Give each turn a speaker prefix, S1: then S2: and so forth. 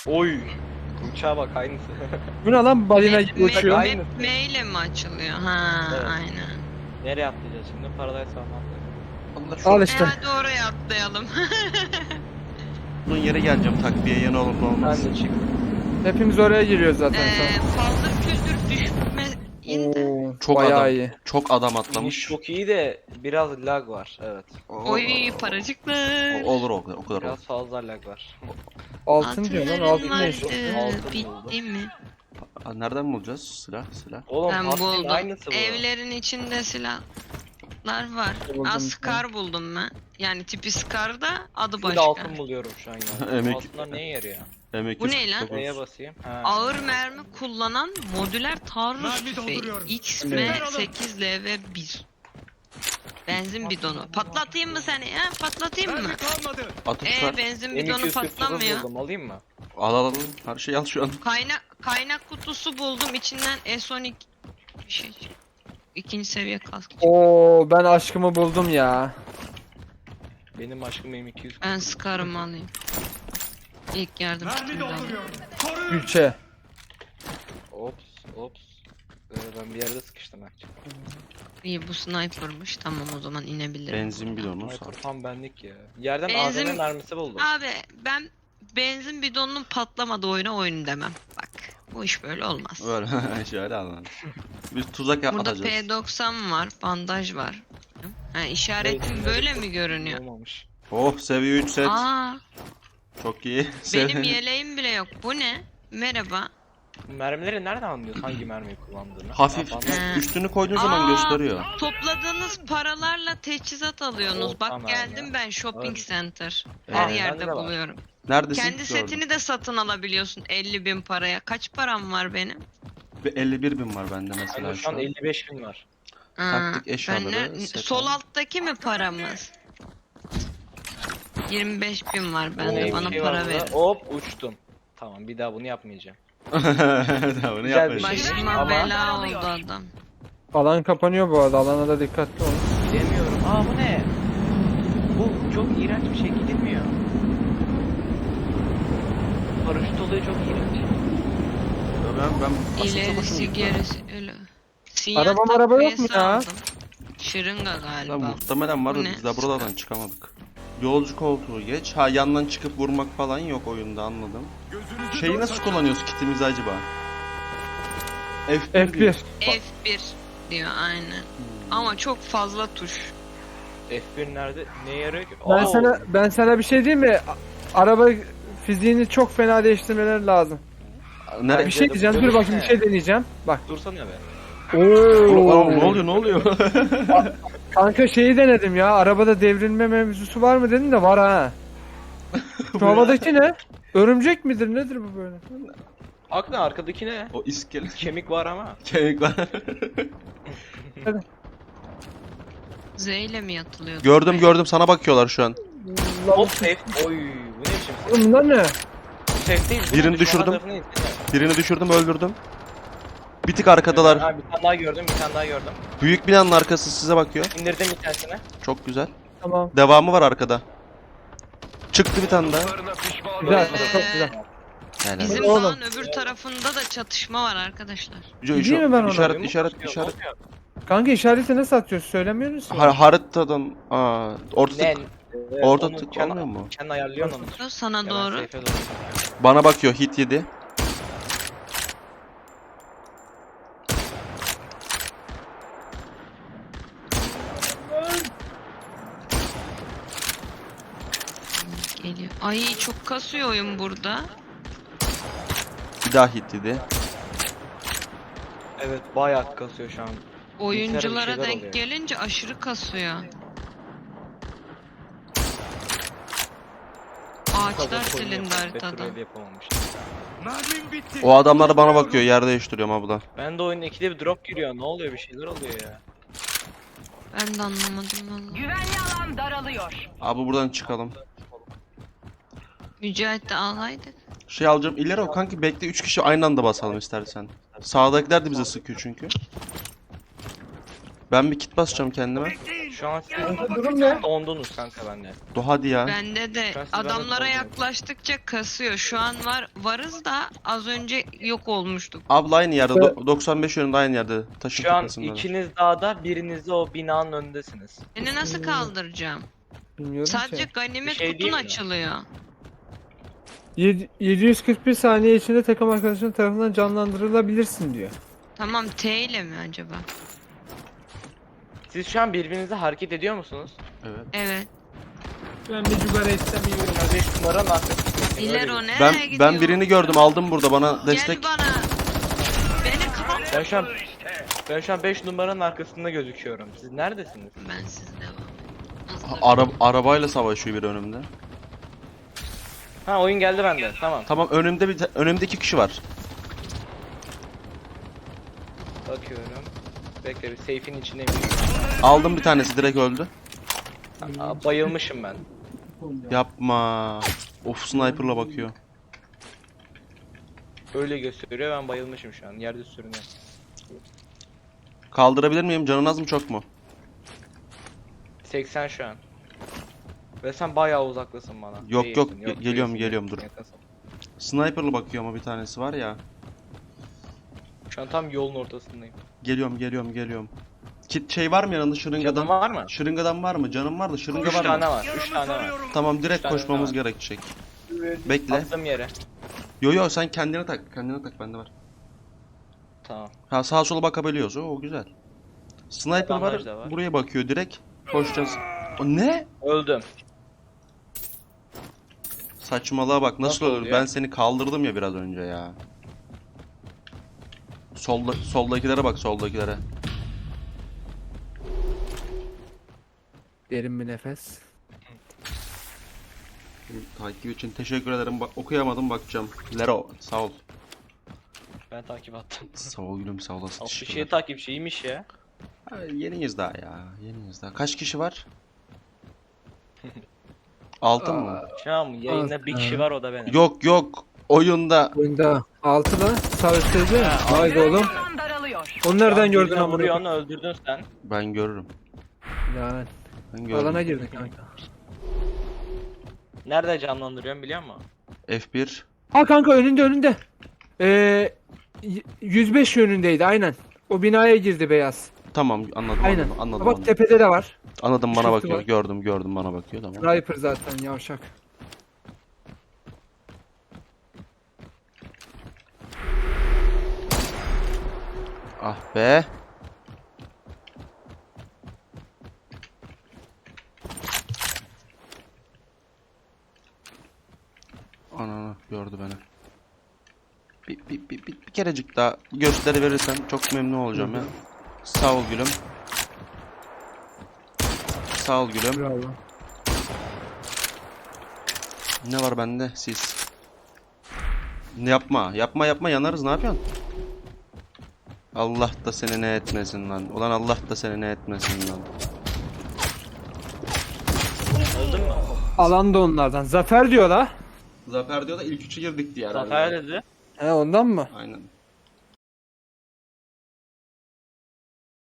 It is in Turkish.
S1: Oy. Uçağa bak aynısı.
S2: Bu ne lan, balina gibi uçuyor.
S1: Aynı.
S3: M ile mi açılıyor? Ha,
S1: Evet.
S3: aynen.
S1: Nereye atlayacağız şimdi? Paradise falan.
S4: Allah şu
S2: Al işte.
S3: Hadi oraya atlayalım.
S4: uzun yere geleceğim takviye yanı olur mu olmaz.
S1: Ben de çık.
S2: Hepimiz oraya giriyoruz zaten şu an.
S3: Fazla kültür düşmeyin de.
S2: Oo,
S4: Çok
S2: bayağı
S4: adam.
S2: iyi.
S4: Çok adam
S1: İniş
S4: atlamış.
S1: çok iyi de biraz lag var. Evet.
S3: Oy paracıklar.
S4: Olur o kadar olur.
S1: Biraz fazla lag var.
S2: Altın diyor lan, altın ne
S3: vardı.
S2: işte?
S1: Altın
S3: Bitti mi?
S4: Nereden bulacağız silah?
S1: Oğlum
S3: Ben
S1: Pathfinder
S3: buldum.
S1: aynısı bu.
S3: Evlerin içinde silahlar var.
S2: Buldum.
S3: Scar buldum ben. Yani tipi Scar da adı
S1: Bir de
S3: başka.
S1: altın buluyorum şu an ya.
S4: Emek-
S1: Altınlar neye yarıyor?
S4: M249.
S3: Bu ne lan?
S1: Neye basayım? Ha.
S3: Ağır mermi kullanan modüler taarruz tüfeği XM8LV1. Benzin bidonu. Patlatayım mı seni ya? Patlatayım mı?
S4: Atıp ver.
S3: Benzin bidonu patlamıyor.
S1: buldum, alayım mı?
S4: Al. Her şeyi al şu an.
S3: Kaynak kutusu buldum. İçinden S12 bir şey çıktı. İkinci seviye kask.
S2: Oo, ben aşkımı buldum ya.
S1: Benim aşkım M200.
S3: Ben Scar'ımı alayım. İlk yardım kutumu da alayım.
S2: Gülçe.
S1: Ops. Ben bir yerde sıkıştım ha.
S3: İyi bu sniper'mış. Tamam o zaman inebilirim.
S4: Benzin bidonu sağ.
S1: Sniper tam benlik ya. Yerden
S3: Benzin-
S1: AVM mermisi buldum.
S3: Abi ben benzin bidonunun patlamadığı oyun demem. Bak bu iş böyle olmaz.
S4: Böyle şöyle anladım. Biz tuzak
S3: Burada
S4: atacağız.
S3: P90 var, bandaj var. Ha, işaretim
S1: Evet,
S3: böyle mi görünüyor?
S1: Olmamış.
S4: Oh seviye 3 set.
S3: Aa,
S4: Çok iyi.
S3: benim yeleğim bile yok. Bu ne? Merhaba.
S1: Mermileri nereden anlıyorsun hangi mermiyi kullandığını?
S4: Hafif
S1: Ha, bandaj-
S4: üstünü koyduğun zaman gösteriyor.
S3: Topladığınız paralarla teçhizat alıyorsunuz.
S1: Oh,
S3: Bak
S1: tamam
S3: geldim
S1: ya.
S3: ben shopping
S1: Evet.
S3: center.
S4: Evet,
S3: Her
S1: bende
S3: yerde
S1: de var.
S3: buluyorum.
S4: Neredesin?
S3: Kendi
S4: Gördüm.
S3: setini de satın alabiliyorsun 50.000 paraya. Kaç param var benim?
S4: Bir 51.000 var bende mesela
S1: Bende
S4: şu
S1: şu an
S4: an.
S1: 55 bin var.
S3: Ha,
S4: Taktik eşyaları,
S3: ben
S4: set
S3: sol
S4: al.
S3: alttaki mi paramız? 25.000 var bende
S1: Neymiş
S3: bana
S1: şey
S3: para
S1: var
S3: verin.
S1: burada? Hop uçtum. Tamam bir daha bunu yapmayacağım.
S4: Tamam, ne
S1: Güzel bir
S4: yapmayacağız?
S1: şey.
S3: Başıma
S1: Ama-
S3: bela oldu adam.
S2: Alan kapanıyor bu arada, alana da dikkatli olun.
S1: Bilemiyorum. Aa bu ne? Bu çok iğrenç bir şey gidilmiyor. Paraşüt olayı çok iğrenç.
S4: Ben aslında çok hoşuma
S3: İlerisi
S4: gitti.
S3: gerisi öyle. Siyah
S2: Araba yok mu
S3: takviyesi
S2: ya?
S3: aldım. Şırınga
S4: Lan
S3: galiba.
S4: muhtemelen var da
S3: Bu ne?
S4: biz de buradan çıkamadık. Yolcu koltuğu geç. Ha yandan çıkıp vurmak falan yok oyunda anladım. Şeyi nasıl kullanıyoruz kitimizi acaba? F1. diyor.
S2: F1.
S3: F1 diyor aynen. Ama çok fazla tuş.
S1: F1 nerede? Ne yarıyor ki?
S2: Ben sana bir şey diyeyim mi? Araba fiziğini çok fena değiştirmeleri lazım.
S4: Nereye?
S2: Bir şey diyeceğim, dur bakayım, bir şey deneyeceğim. Bak.
S1: Dursana be.
S4: Oğlum, ne oluyor?
S2: Kanka şeyi denedim ya, arabada devrilme mevzusu var mı dedim de var ha. Şu havadaki ne? Örümcek midir nedir bu böyle?
S1: Aklına arkadaki ne?
S4: O iskelet
S1: Kemik var ama.
S4: kemik var.
S3: Z ile mi yatılıyor?
S4: gördüm sana bakıyorlar şu an.
S1: Hop safe. Oy bu ne biçim safe?
S2: Oğlum bunlar ne?
S1: Safe değil. bu
S4: Birini
S1: ne? Düşman
S4: düşürdüm.
S1: tarafına insene.
S4: Birini düşürdüm öldürdüm. Bir tık arkadalar.
S1: Ha, bir tane daha gördüm, bir tane daha gördüm.
S4: Büyük binanın arkası size bakıyor.
S1: İndirdim bir tanesini.
S4: Çok güzel.
S2: Tamam.
S4: Devamı var arkada. Çıktı bir tane daha.
S2: Güzel, çok güzel.
S4: Yani
S3: Bizim
S2: Oğlum.
S3: dağın öbür tarafında da çatışma var arkadaşlar.
S2: Gideyim mi ben ona?
S4: işaret.
S2: Kanka işareti nasıl atıyorsun, söylemiyorsunuz ki.
S4: Haritadan orta
S1: Ne?
S4: orta
S1: Onu
S4: tık
S1: kendi-
S4: olmuyor mu?
S1: Kendi ayarlıyorsun onu.
S3: Sana
S1: Ya ben
S3: doğru.
S1: safe'e doğru.
S4: Bana bakıyor hit yedi.
S3: Geliyor. Ay çok kasıyor oyun burada.
S4: Bir daha hit yedi.
S1: Evet bayağı kasıyor şu an.
S3: Oyunculara
S1: şeyler
S3: denk
S1: oluyor.
S3: gelince aşırı kasıyor. Ağaçlar silindi haritada.
S1: Petrol yapamamış.
S4: O adamlar bana bakıyor yer değiştiriyorum abla.
S1: Ben de oyunun ikide bir drop giriyor. Ne oluyor, bir şeyler oluyor ya.
S3: Ben de anlamadım valla.
S5: Güvenli alan daralıyor.
S4: Abi buradan çıkalım.
S3: Mücahit de alaydık.
S4: Şey alacağım ileri o kanki bekle 3 kişi aynı anda basalım istersen. Sağdakiler de bize sıkıyor çünkü. Ben bir kit basacağım kendime.
S6: Şu an siz
S2: Durum ne?
S6: ondunuz kanka bende.
S4: Hadi ya.
S3: Bende de
S6: Ben sizi
S3: adamlara
S6: ben de
S3: yaklaştıkça kasıyor. Şu an varız da az önce yok olmuştuk.
S4: Abla aynı yerde. 95 yönünde aynı yerde. Taşın
S6: Şu an
S4: tepesinde.
S6: ikiniz dağda, biriniz de o binanın önündesiniz.
S3: Seni nasıl kaldıracağım?
S2: Bilmiyorum
S3: Sadece
S2: ki.
S3: ganimet
S6: Bir şey
S3: kutun
S6: diyeyim mi?
S3: açılıyor.
S2: 741 saniye içinde takım arkadaşının tarafından canlandırılabilirsin diyor.
S3: Tamam, T ile mi acaba?
S6: Siz şu an birbirinize hareket ediyor musunuz?
S4: Evet.
S3: Evet.
S2: Ben bir cigara etsem iyi olur.
S6: 5 numaranın arkasındasın.
S3: İlero
S6: öyle.
S3: nereye gidiyor?
S4: Ben birini gördüm, aldım burada, bana destek.
S3: Gel bana. Beni kaldır.
S6: Ben şu an 5 numaranın arkasında gözüküyorum. Siz neredesiniz?
S3: Ben siz devam edin.
S4: Arabayla savaşıyor bir önümde.
S6: Ha, oyun geldi bende. Tamam.
S4: Tamam, önümde 2 kişi var.
S6: Bakıyorum. Bekle, bir safe'in içindeyim.
S4: Aldım bir tanesi, direkt öldü.
S6: Bayılmışım ben.
S4: Yapma. Of, sniper'la bakıyor.
S6: Öyle gösteriyor, ben bayılmışım şu an. Yerde sürünüyorum.
S4: Kaldırabilir miyim? Canın az mı, çok mu?
S6: 80 şu an. Ve sen bayağı uzaklasın bana.
S4: Yok,
S6: Değilsin,
S4: geliyorum,
S6: değilsin,
S4: geliyorum, dur.
S6: yakasın.
S4: Sniper'la bakıyor ama bir tanesi var ya.
S6: Şu an tam yolun ortasındayım.
S4: Geliyorum. Kit şey var mı yanında,
S6: Canın
S4: şırıngadan?
S6: var mı?
S4: Şırıngadan var mı? Canım var da
S6: 3
S4: şırınga var
S6: tane
S4: mı?
S6: var. 3 tane var.
S4: Tamam, direkt
S6: tane
S4: koşmamız
S6: var.
S4: gerekecek. Bekle.
S6: Attığım yere.
S4: Yo, sen kendine tak. Kendine tak, bende var.
S6: Tamam.
S4: Ha, sağa sola bakabiliyoruz. O güzel. Sniper
S6: Bandaj da
S4: var.
S6: var.
S4: Buraya bakıyor direkt. Koşacağız. O ne?
S6: Öldüm.
S4: Saçmalığa bak, nasıl
S6: Nasıl
S4: olur?
S6: oluyor?
S4: Ben seni kaldırdım ya biraz önce ya. Soldakilere bak, soldakilere.
S2: Derin bir nefes.
S4: Takip için teşekkür ederim. Okuyamadım, bakacağım. Lero, sağ ol.
S6: Ben takip attım.
S4: Sağ ol gülüm, sağ olasın.
S6: Of, bir
S4: Teşekkürler.
S6: şey takipçiymiş ya.
S4: Ha, yeniyiz daha ya. Yeniyiz daha. Kaç kişi var? 6 mı?
S6: Şu an yayında bir kişi var, o da benim.
S4: Yok. Oyunda.
S2: Oyunda 6 lan. Savaştırıcı. Vay be oğlum.
S5: Düşman daralıyor.
S2: Onu nereden gördün
S6: Birine
S2: amına
S6: vuruyor,
S2: koyayım?
S6: onu öldürdün sen.
S4: Ben görürüm.
S2: Ya
S4: Ben gördüm.
S2: alana girdin kanka.
S6: Nerede canlandırıyorum biliyor musun?
S4: F1.
S2: Ha kanka önünde. 105 yönündeydi aynen. O binaya girdi beyaz.
S4: Tamam, anladım.
S2: Aynen.
S4: Anladım.
S2: Bak tepede de var.
S4: Anladım, bana
S2: Şurası
S4: bakıyor.
S2: var.
S4: Gördüm, bana bakıyor, tamam.
S2: Sniper zaten yavşak.
S4: Ah be. Ananı gördü beni. Bir kerecik daha gösteri verirsen çok memnun olacağım ya. Sağ ol gülüm. Sağ ol gülüm.
S2: Bravo.
S4: Ne var bende? Sis. Yapma yanarız, ne yapıyorsun? Allah da seni ne etmesin lan. Ulan Allah da seni ne etmesin lan.
S6: Öldün mü?
S2: Alan da onlardan. Zafer diyor la.
S4: Zafer diyor da ilk üçü girdik diye
S6: Zafer dedi.
S2: He ondan mı?
S4: Aynen.